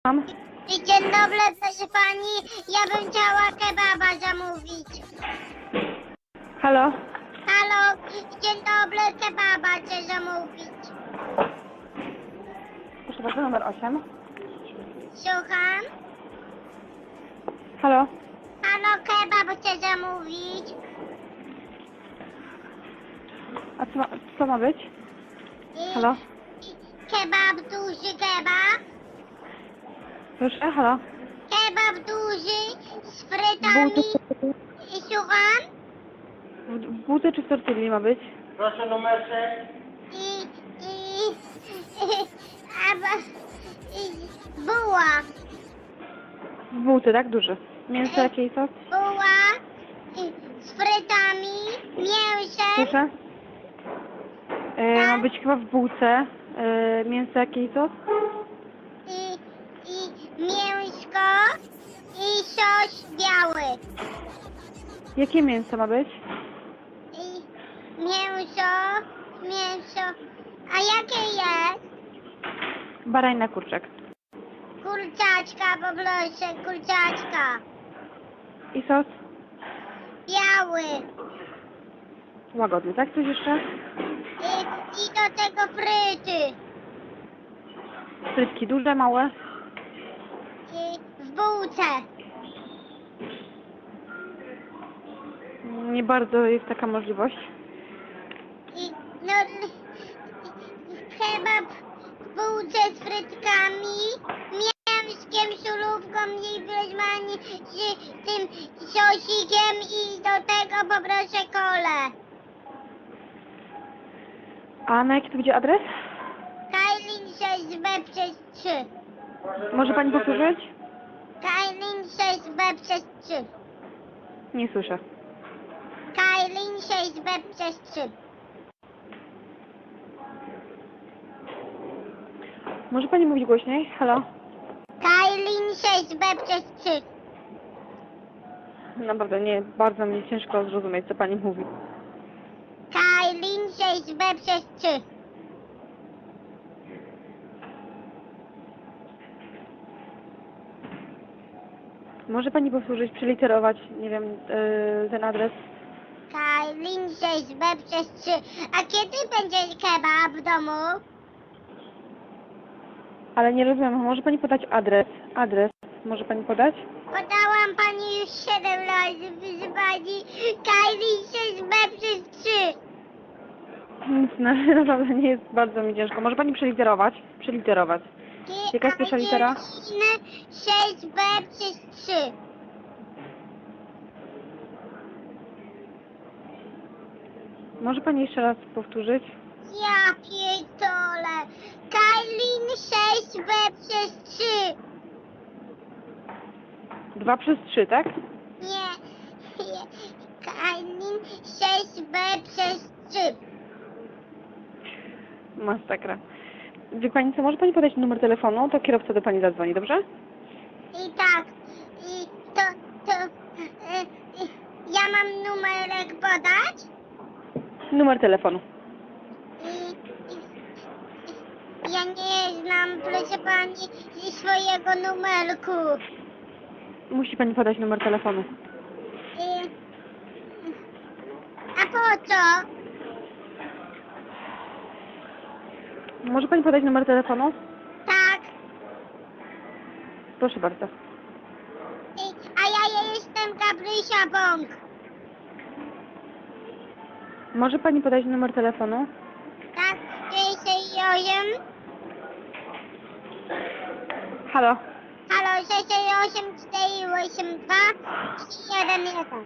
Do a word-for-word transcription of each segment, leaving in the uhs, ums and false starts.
Dzień dobry, proszę pani. Ja bym chciała kebaba zamówić. Halo? Halo, dzień dobry, kebaba chcę zamówić. Proszę bardzo, numer osiem. Słucham? Halo? Halo, kebab chcę zamówić. A co ma, co ma być? I, Halo? i kebab, duży kebab. Proszę, halo? Kebab duży z frytami. Bułce, I słucham? w, w bułce czy w tortilli ma być? Proszę numerek. I, i, a, ba- i buła. W bułce, tak? Duży. Mięso jakiej sos? Buła i z frytami, mięsem. Proszę? E, ma być chyba w bułce. E, mięso jakiej sos? I, i mięsko i sos biały. Jakie mięso ma być? I mięso, mięso. A jakie jest? Barajna kurczak. Kurczaczka, poproszę, kurczaczka. I sos? Biały. Łagodny, tak? Coś jeszcze? I, i do tego fryty. Frytki duże, małe? I w bułce. Nie bardzo jest taka możliwość. I no, kebab w bułce z frytkami, mięskiem, surówką i wierzmami z tym sosikiem i do tego poproszę kolę. A na jaki to będzie adres? Kailin sześć B przez trzy. Może pani powtórzyć? Kailin sześć B przez trzy. Nie słyszę. Kailin sześć B przez trzy. Może pani mówić głośniej? Halo? Kailin sześć B przez trzy. Naprawdę, nie, bardzo mi ciężko zrozumieć, co pani mówi. Kailin sześć B przez trzy. Może pani powtórzyć, przeliterować, nie wiem, yy, ten adres? Kailin sześć B przez trzy. A kiedy będzie kebab w domu? Ale nie rozumiem, może pani podać adres? Adres, może pani podać? Podałam pani już siedem razy, proszę pani. Kailin sześć B przez trzy. Nic, no, naprawdę nie jest bardzo mi ciężko. Może pani przeliterować? Przeliterować. Jaka jest pierwsza litera? sześć B przez trzy. Może pani jeszcze raz powtórzyć? Ja pierdolę. Kailin sześć B przez trzy. Dwa przez trzy, tak? Nie. nie. Kailin sześć B przez trzy. Masakra. Wie pani co, może pani podać numer telefonu, to kierowca do pani zadzwoni, dobrze? I tak. I to, to... Y, y, ja mam numerek podać? Numer telefonu. I, i, i ja nie znam, proszę pani, swojego numerku. Musi pani podać numer telefonu. I, a po co? Może pani podać numer telefonu? Tak. Proszę bardzo. I, a ja jestem Gabrysia Bąk. Może pani podać numer telefonu? Tak, sześć osiem. Halo? Halo, sześć osiem cztery osiem dwa trzy jeden jeden.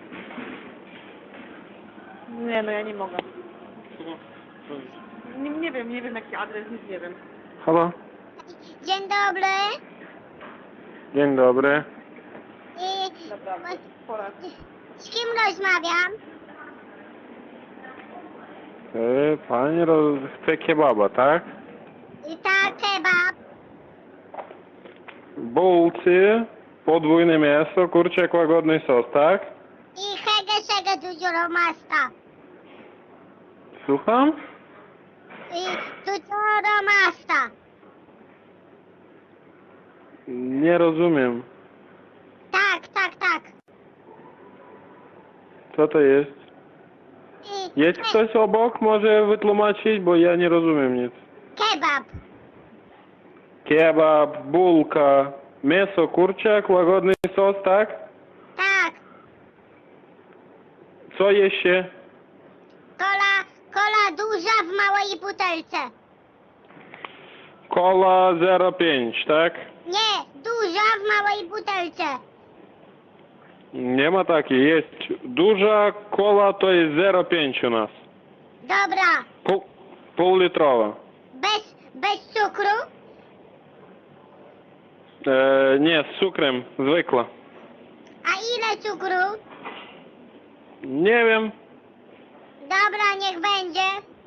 Nie, no ja nie mogę. Nie, nie wiem, nie wiem jaki adres, nic nie wiem. Halo? Dzień dobry. Dzień dobry. I, Naprawdę, pora. z kim rozmawiam? Yy, pani roz... chce kebaba, tak? I tak, kebab. Bułcy, podwójne mięso, kurczak, łagodny sos, tak? I hege szege dużo masta. Słucham? I dużo masta. Nie rozumiem. Tak, tak, tak. Co to jest? I, Jest ktoś obok? Może wytłumaczyć, bo ja nie rozumiem nic. Kebab. Kebab, bułka, mięso, kurczak, łagodny sos, tak? Tak. Co jeszcze? Kola, kola duża w małej butelce. Kola zero pięć, tak? Nie, duża w małej butelce. Nie ma takiej. Jest duża kola, to jest zero pięć u nas. Dobra. Pół, półlitrowa. Bez, bez cukru? E, nie, z cukrem, zwykła. A ile cukru? Nie wiem. Dobra, niech będzie.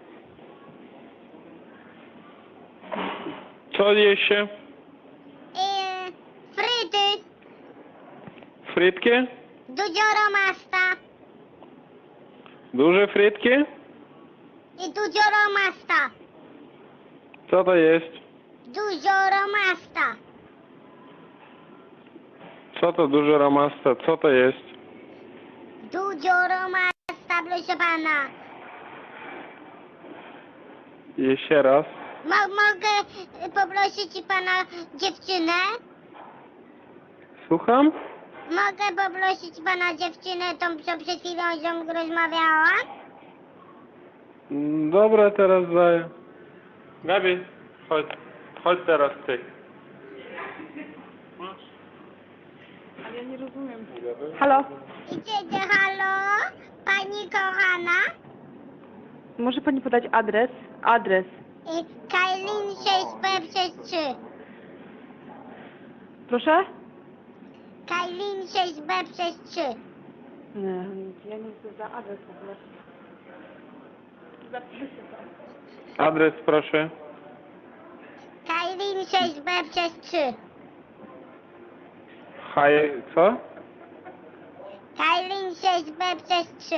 Co jeszcze? Yy, fryty. Frytki? Dudzioro masta. Duże frytki? I dudzioro masta. Co to jest? Dudzioro masta. Co to duże ramasta? Co to jest? Dudzioro masta, proszę pana. Jeszcze raz. Mo mogę y, poprosić pana dziewczynę? Słucham? Mogę poprosić pana dziewczynę, tą co przed chwilą z nią rozmawiała? Mm, Dobra, teraz daję. Gabi, chodź. Chodź teraz ty. Ale ja nie rozumiem. Halo? Idziecie, halo? Pani kochana? Może pani podać adres? Adres. Y, Kailin sześć B przez trzy. Proszę? Kailin sześć B przez trzy. Nie, ja nie chcę za adres w ogóle. Zapiszę to. Adres proszę. Kailin sześć B przez trzy. Haj, co? Kailin sześć B przez trzy.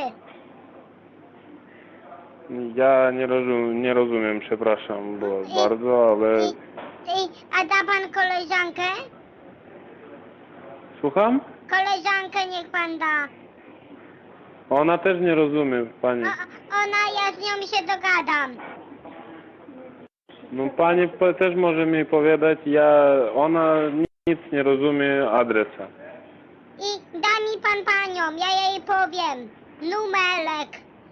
Ja nie rozumiem, nie rozumiem, przepraszam bo bardzo, ale... I, i, a da pan koleżankę? Słucham? Koleżankę niech pan da. Ona też nie rozumie, pani. O, ona, ja z nią się dogadam. No pani po- też może mi powiedzieć, ja... Ona nic nie rozumie adresa. I da mi pan panią, ja jej powiem. Numerek.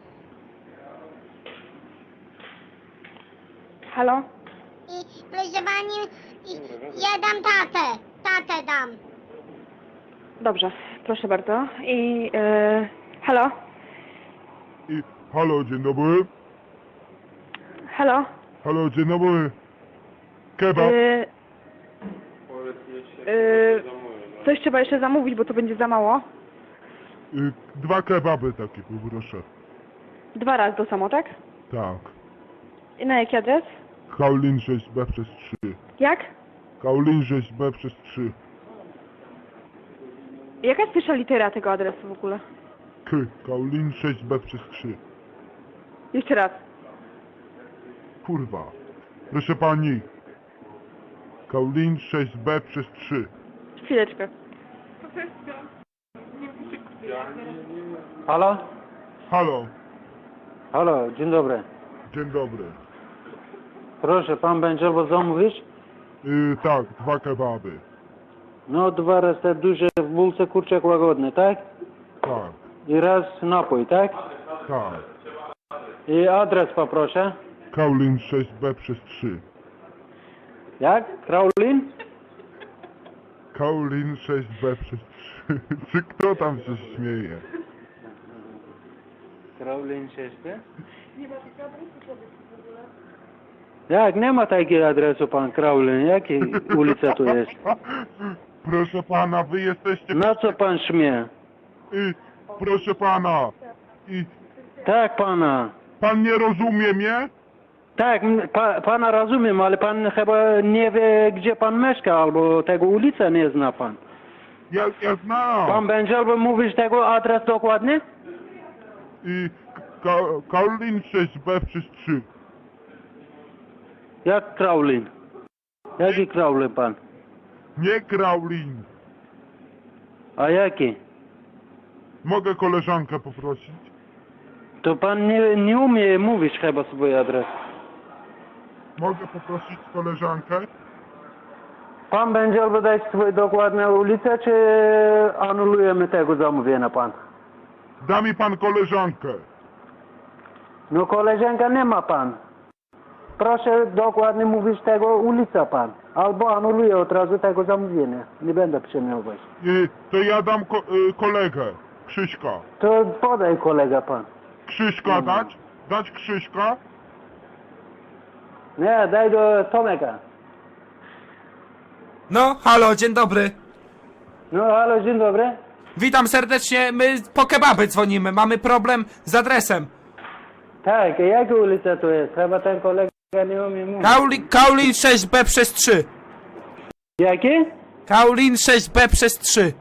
Halo? I proszę pani, i, ja dam tatę. Tatę dam. Dobrze, proszę bardzo. I... E, halo? I halo, dzień dobry. Halo? Halo, dzień dobry. Kebab. E, e, coś trzeba jeszcze zamówić, bo to będzie za mało. Y, dwa kebaby takie, poproszę. Dwa razy to samo, tak? Tak. I na jaki adres? Kaolin sześć B przez trzy. Jak? Kaolin sześć B przez trzy. Jaka jest pierwsza litera tego adresu w ogóle? K. Kaolin sześć B przez trzy. Jeszcze raz. Kurwa. Proszę pani. Kaolin sześć B przez trzy. Chwileczkę. Halo? Halo. Halo, dzień dobry. Dzień dobry. Proszę, pan będzie albo zamówić? Y, tak, dwa kebaby. No, dwa razy te duże w bułce kurczak łagodny, tak? Tak, I raz napój, tak? tak. I adres poproszę. Kaolin sześć B przez trzy. Jak? Kraulin? Kaolin sześć B przez trzy. Czy kto tam się śmieje? Kraulin sześć B? Jak? Nie ma takiego adresu, pan Kraulin. Jakiej ulica tu jest? Proszę pana, wy jesteście... Na co pan śmie? I, proszę pana, i Tak, pana. pan nie rozumie mnie? Tak, m- pa, pana rozumiem, ale pan chyba nie wie, gdzie pan mieszka, albo tego ulicy nie zna pan. Ja, ja znam. Pan będzie albo mówić tego adres dokładnie? I ka, Kaolin sześć B przez trzy. Jak Kraulin? Jaki Kraulin pan? Nie Kraulin. A jaki? Mogę koleżankę poprosić? To pan nie, nie umie mówić chyba swój adres. Mogę poprosić koleżankę? Pan będzie albo dać swoją dokładną ulicę, czy anulujemy tego zamówienia pan? Da mi pan koleżankę. No koleżanka nie ma pan. Proszę dokładnie mówić tego ulica pan. Albo anuluję od razu tego zamówienia. Nie będę przejmować. Y, to ja dam ko y, kolegę. Krzyśka. To podaj kolega pan. Krzyśka dać? Dać Krzyśka? Nie, daj do Tomeka. No, halo, dzień dobry. No halo, dzień dobry. Witam serdecznie, my po kebaby dzwonimy, mamy problem z adresem. Tak, jaka ulica to jest? Chyba ten kolega nie umie mówić. Kauli, Kaulin sześć B przez trzy. Jaki? Kaulin sześć B przez trzy.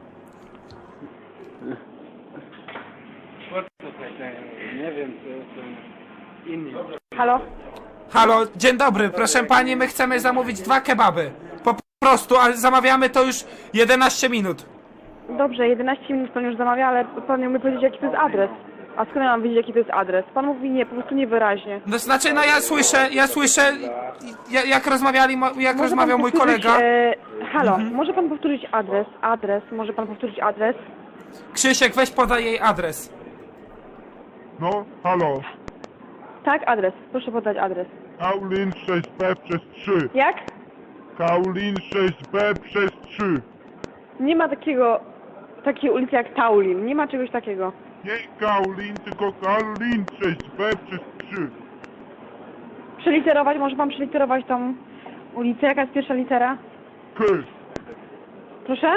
Nie wiem, to jest inny. Halo? Halo, dzień dobry, proszę pani, my chcemy zamówić dwa kebaby. Po prostu, a zamawiamy to już jedenaście minut. Dobrze, jedenaście minut pan już zamawia, ale pan nie umie powiedzieć, jaki to jest adres. A skąd ja mam wiedzieć, jaki to jest adres? Pan mówi nie, po prostu niewyraźnie. No znaczy, no ja słyszę, ja słyszę, ja- jak rozmawiali, mo- jak Może rozmawiał pan mój powtórzyć, kolega. E, halo, może pan powtórzyć adres? Adres, może pan powtórzyć adres? Krzysiek, weź podaj jej adres. No, halo. Tak, adres. Proszę podać adres. Kaulin sześć B przez trzy. Jak? Kaulin sześć B przez trzy. Nie ma takiego, takiej ulicy jak Taulin. Nie ma czegoś takiego. Nie Kaulin, tylko Kaulin sześć B przez trzy. Przeliterować, może pan przeliterować tą ulicę? Jaka jest pierwsza litera? K. Proszę?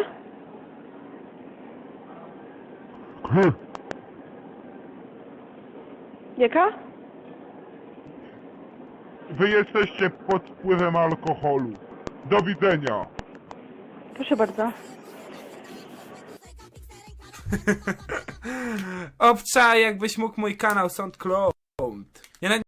K. Jaka? Wy jesteście pod wpływem alkoholu. Do widzenia. Proszę bardzo. Obczaj, jakbyś mógł mój kanał SoundCloud.